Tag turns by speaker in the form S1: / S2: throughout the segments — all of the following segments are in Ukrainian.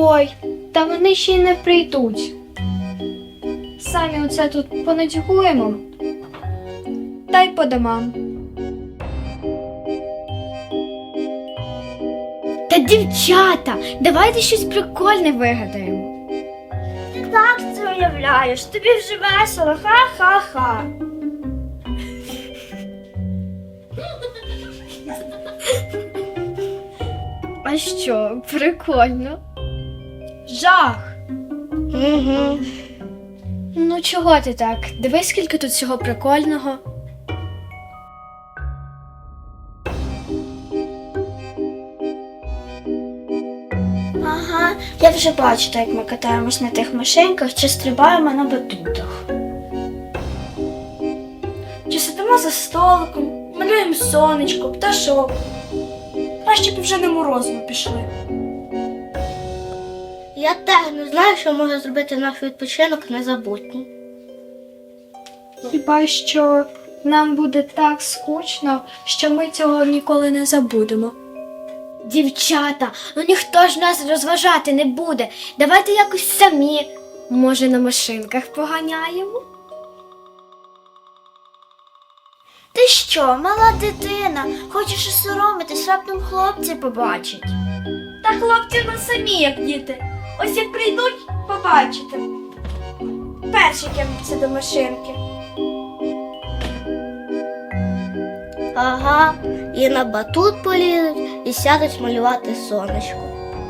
S1: Ой, та вони ще й не прийдуть. Самі оце тут понадягуємо, та й по домам. Та дівчата, давайте щось прикольне вигадаємо.
S2: Так ти уявляєш, тобі вже весело, ха-ха-ха.
S1: А що, прикольно? Жах!
S2: Угу.
S1: Ну чого ти так? Дивись, скільки тут всього прикольного.
S2: Ага, я вже бачу, як ми катаємось на тих машинках чи стрибаємо на батутах. Чи сидимо за столиком, малюємо сонечко, пташок. Краще б вже на морозиво пішли. Я теж не знаю, що може зробити наш відпочинок незабутнім.
S1: Хіба що нам буде так скучно, що ми цього ніколи не забудемо.
S2: Дівчата, ну ніхто ж нас розважати не буде. Давайте якось самі.
S1: Може, на машинках поганяємо?
S2: Ти що, мала дитина? Хочеш осоромитись, раптом хлопці побачать. Та хлопці на самі, як діти. Ось як прийдуть, побачите. Перші кинуться до машинки. Ага, і на батут полізуть, і сядуть малювати сонечко.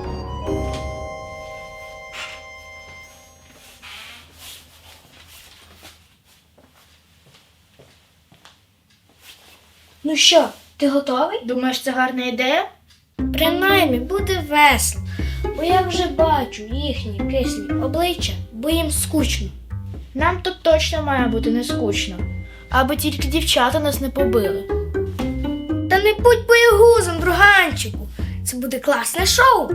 S2: Ну що, ти готовий? Думаєш, це гарна ідея? Принаймні, буде весело, бо я вже бачу їхні кислі обличчя, бо їм скучно. Нам тут точно має бути не скучно, аби тільки дівчата нас не побили. Та не будь боягузом, друганчику, це буде класне шоу.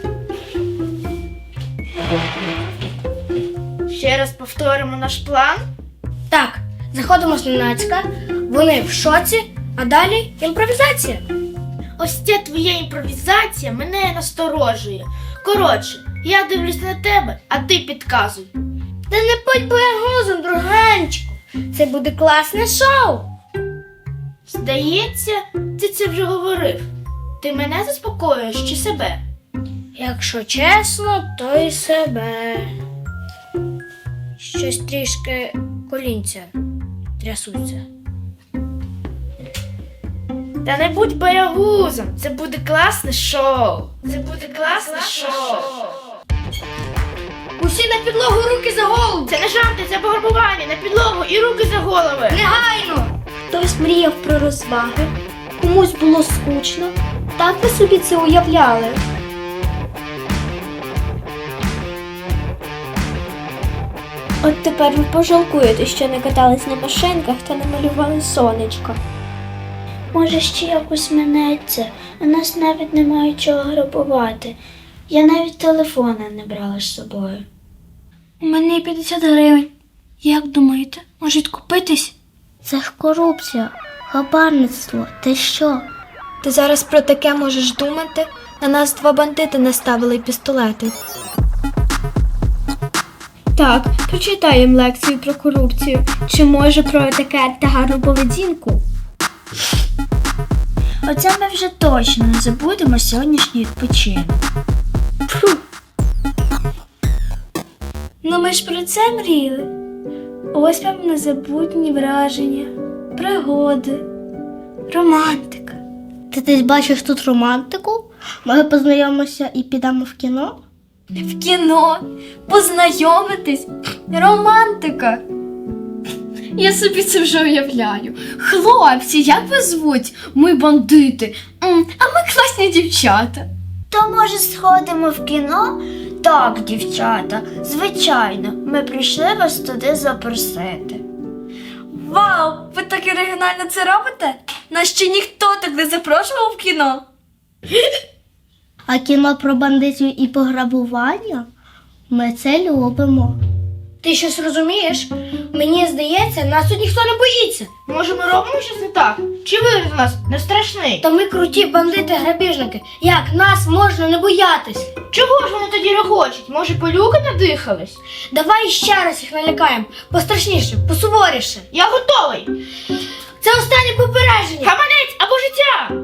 S2: Ще раз повторимо наш план. Так, заходимо зненацька, вони в шоці, а далі імпровізація. Ось ця твоя імпровізація мене насторожує. Коротше, я дивлюсь на тебе, а ти підказуй. Та не будь боягузом, друганчику, це буде класне шоу. Здається, ти це вже говорив. Ти мене заспокоюєш чи себе? Якщо чесно, то й себе. Щось трішки колінця трясуться. Та не будь боягузом, це буде класне шоу. Це буде класне шоу. Усі на підлогу, руки за голову. Це не жарти, це пограбування, на підлогу і руки за голови. Негайно!
S1: Хтось мріяв про розваги, комусь було скучно. Так ви собі це уявляли. От тепер ви пожалкуєте, що не катались на машинках та не малювали сонечко.
S2: Може, ще якось минеться, у нас навіть немає чого грабувати. Я навіть телефона не брала з собою.
S1: У мене є 50 гривень. Як думаєте, може відкупитись?
S2: Це ж корупція, хабарництво, ти що?
S1: Ти зараз про таке можеш думати? На нас 2 бандити наставили пістолети. Так, прочитай їм лекцію про корупцію. Чи може про етикет та гарну поведінку?
S2: Оце ми вже точно не забудемо сьогоднішній відпочинок.
S1: Фу. Ну ми ж про це мріяли. Ось вам незабутні враження, пригоди, романтика.
S2: Ти десь бачиш тут романтику? Може познайомимося і підемо в кіно?
S1: В кіно, познайомитись, романтика. Я собі це вже уявляю. Хлопці, як вас звуть? Ми бандити, а ми класні дівчата.
S2: То, може, сходимо в кіно? Так, дівчата, звичайно, ми прийшли вас туди запросити.
S1: Вау, ви так оригінально це робите? Нас ще ніхто так не запрошував в кіно.
S2: А кіно про бандитів і пограбування? Ми це любимо. Ти щось розумієш? Мені здається, нас тут ніхто не боїться.
S3: Може, ми робимо щось не так? Чи вигляд у нас не страшний?
S2: Та ми круті бандити-грабіжники. Як нас можна не боятись?
S3: Чого ж вони тоді регочуть? Може, пилюки надихались?
S2: Давай ще раз їх налякаємо. Пострашніше, посуворіше.
S3: Я готовий!
S2: Це останнє попередження.
S3: Гаманець або життя!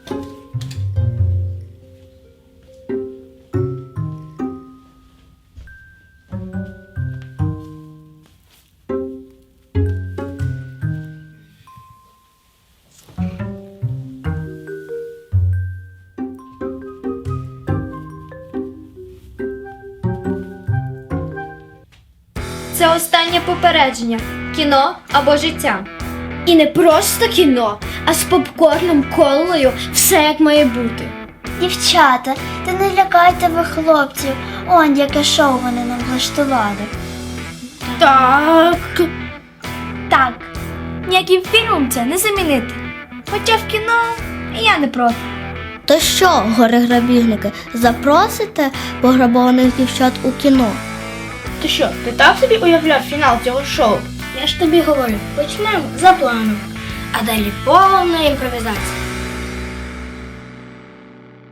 S1: Це останнє попередження. Кіно або життя.
S2: І не просто кіно, а з попкорном, колою, все як має бути.
S4: Дівчата, та не лякайте ви хлопців. Он яке шоу вони нам влаштували.
S3: Так.
S1: Так, ніяким фільмом це не замінити. Хоча в кіно я не проти.
S4: То що, горе-грабіжники, запросите пограбованих дівчат у кіно?
S3: Ти що, ти так собі уявляв фінал цього шоу?
S2: Я ж тобі говорю, почнемо за планом, а далі повна імпровізація.